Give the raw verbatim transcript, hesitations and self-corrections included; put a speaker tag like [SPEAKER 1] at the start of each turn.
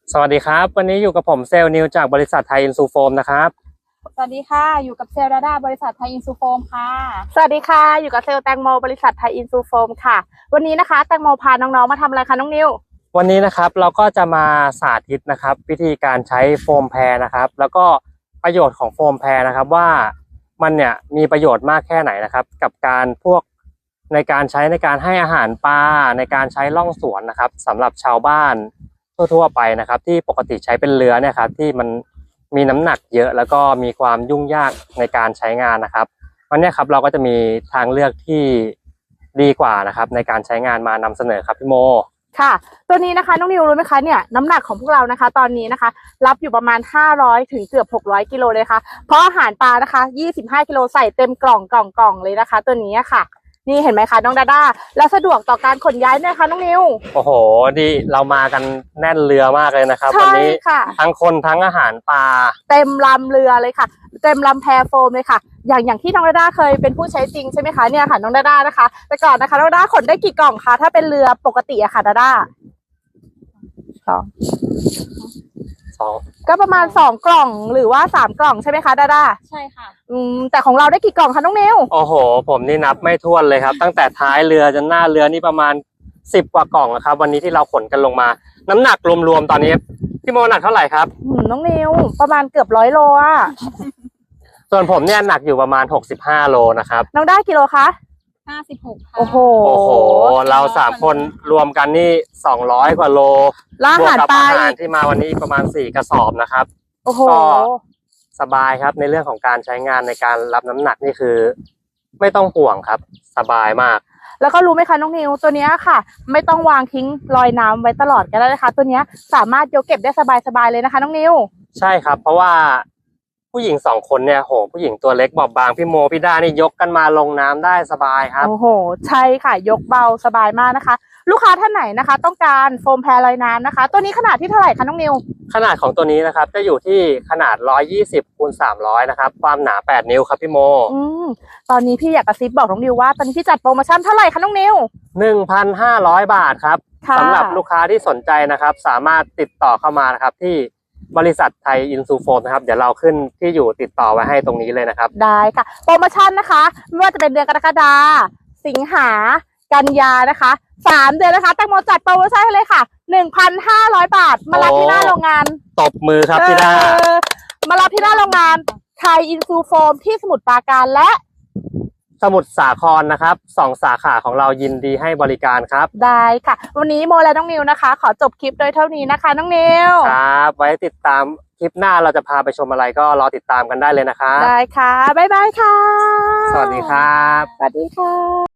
[SPEAKER 1] สวัสดีครับวันนี้อยู่กับผมเซลล์นิวจากบริษัทไทยอินซูโฟมนะครับ
[SPEAKER 2] สวัสดีค่ะอยู่กับเซลล์ดาด้าบริษัทไทยอินซูโฟมค่ะ
[SPEAKER 3] สวัสดีค่ะอยู่กับเซลล์แตงโมบริษัทไทยอินซูโฟมค่ะวันนี้นะคะแตงโมพาน้องๆมาทำอะไรคะน้องนิว
[SPEAKER 1] วันนี้นะครับเราก็จะมาสาธิตนะครับวิธีการใช้โฟมแพรนะครับแล้วก็ประโยชน์ของโฟมแพรนะครับว่ามันเนี่ยมีประโยชน์มากแค่ไหนนะครับกับการพวกในการใช้ในการให้อาหารปลาในการใช้ล่องสวนนะครับสำหรับชาวบ้านทั่วๆไปนะครับที่ปกติใช้เป็นเรือเนี่ยครับที่มันมีน้ำหนักเยอะแล้วก็มีความยุ่งยากในการใช้งานนะครับวันนี้ครับเราก็จะมีทางเลือกที่ดีกว่านะครับในการใช้งานมานำเสนอครับพี่โม
[SPEAKER 3] ค่ะตัวนี้นะคะน้องนิวรู้ไหมคะเนี่ยน้ำหนักของพวกเรานะคะตอนนี้นะคะรับอยู่ประมาณห้าร้อยถึงเกือบหกร้อยกิโลเลยค่ะเพราะอาหารปลานะคะยี่สิบห้ากิโลใส่เต็มกล่องกล่องกล่องเลยนะคะตัวนี้ค่ะนี่เห็นไหมคะน้องดาด้าแล้วสะดวกต่อการขนย้ายไหมคะน้องนิว
[SPEAKER 1] โอ้โหดีเรามากันแน่นเรือมากเลยนะครับวันนี้ทั้งคนทั้งอาหารปลา
[SPEAKER 3] เต็มลำเรือเลยค่ะเต็มลำแพโฟมเลยค่ะอย่างอย่างที่น้องดาด้าเคยเป็นผู้ใช้จริงใช่ไหมคะเนี่ยค่ะน้องดาด้านะคะแต่ก่อนนะคะน้องดาด้าขนได้กี่กล่องคะถ้าเป็นเรือปกติอะค่ะดาด้าสอง
[SPEAKER 1] สอง
[SPEAKER 3] ก็ประมาณสองกล่องหรือว่าสามกล่องใช่ไหมคะดาด้า
[SPEAKER 2] ใช่ค่ะ
[SPEAKER 3] อืมแต่ของเราได้กี่กล่องคะน้องนิว
[SPEAKER 1] โอ้โหผมนี่นับไม่ถ้วนเลยครับตั้งแต่ท้ายเรือจนหน้าเรือนี่ประมาณสิบกว่ากล่องนะครับวันนี้ที่เราขนกันลงมาน้ำหนักรวมๆตอนนี้พี่โมหนักเท่าไหร่ครับ
[SPEAKER 3] น้องนิวประมาณเกือบร้อยโลอ่ะ
[SPEAKER 1] ส่วนผมเนี่ยหนักอยู่ประมาณหกสิบห้าโลนะครับ
[SPEAKER 3] น้องได้กิโลคะ
[SPEAKER 2] ห้าสิบหกค่ะ
[SPEAKER 3] โอ้โห
[SPEAKER 1] โอ้โหเราสามคนรวมกันนี่สองร้อยกว่าโล
[SPEAKER 3] บวกกับ
[SPEAKER 1] อาหารที่มาวันนี้ประมาณสี่กระสอบนะครับ
[SPEAKER 3] โอ้โห
[SPEAKER 1] ก็สบายครับในเรื่องของการใช้งานในการรับน้ำหนักนี่คือไม่ต้องห่วงครับสบายมาก
[SPEAKER 3] แล้วก็รู้ไหมคะน้องนิวตัวนี้ค่ะไม่ต้องวางทิ้งลอยน้ำไว้ตลอดก็ได้นะคะตัวนี้สามารถยกเก็บได้สบายๆเลยนะคะน้องนิว
[SPEAKER 1] ใช่ครับเพราะว่าผู้หญิงสองคนเนี่ยโหผู้หญิงตัวเล็กบอบบางพี่โมพี่ด้านี่ยกกันมาลงน้ำได้สบายครับ
[SPEAKER 3] โอ้โหใช่ค่ะยกเบาสบายมากนะคะลูกค้าท่านไหนนะคะต้องการโฟมแพรลอยน้ำนะคะตัวนี้ขนาดที่เท่าไหร่คะน้องนิว
[SPEAKER 1] ขนาดของตัวนี้นะครับจะอยู่ที่ขนาดหนึ่งร้อยยี่สิบคูณสามร้อยนะครับความหนาแปดนิ้วครับพี่โม
[SPEAKER 3] อืมตอนนี้พี่อยากกระซิบบอกน้องนิวว่าตอนนี้พี่จัดโปรโมชั่นเท่าไหร่คะน้องนิว
[SPEAKER 1] หนึ่งพันห้าร้อย บาทครับสำหรับลูกค้าที่สนใจนะครับสามารถติดต่อเข้ามานะครับที่บริษัทไทยอินซูโฟมนะครับเดี๋ยวเราขึ้นที่อยู่ติดต่อไว้ให้ตรงนี้เลยนะครับ
[SPEAKER 3] ได้ค่ะโปรโมชั่นนะคะไม่ว่าจะเป็นเดือนกรกฎาสิงหากันยานะคะสามเดือนนะคะแตงโมจัดโปรโมชั่นให้เลยค่ะ หนึ่งพันห้าร้อย บาทมารับที่หน้าโรงงาน
[SPEAKER 1] ตบมือครับพี่ดา
[SPEAKER 3] มารับที่หน้าโรงงานไทยอินซูโฟมที่สมุทรปราการและ
[SPEAKER 1] สมุทรสาครนะครับสองสาขาของเรายินดีให้บริการครับ
[SPEAKER 3] ได้ค่ะวันนี้โมและน้องนิวนะคะขอจบคลิปโดยเท่านี้นะคะน้องนิว
[SPEAKER 1] ครับไว้ติดตามคลิปหน้าเราจะพาไปชมอะไรก็รอติดตามกันได้เลยนะครับ
[SPEAKER 3] ได้ค่ะบ๊ายบายค่ะ
[SPEAKER 1] สวัสดีครับ
[SPEAKER 3] สวัสดีค่ะ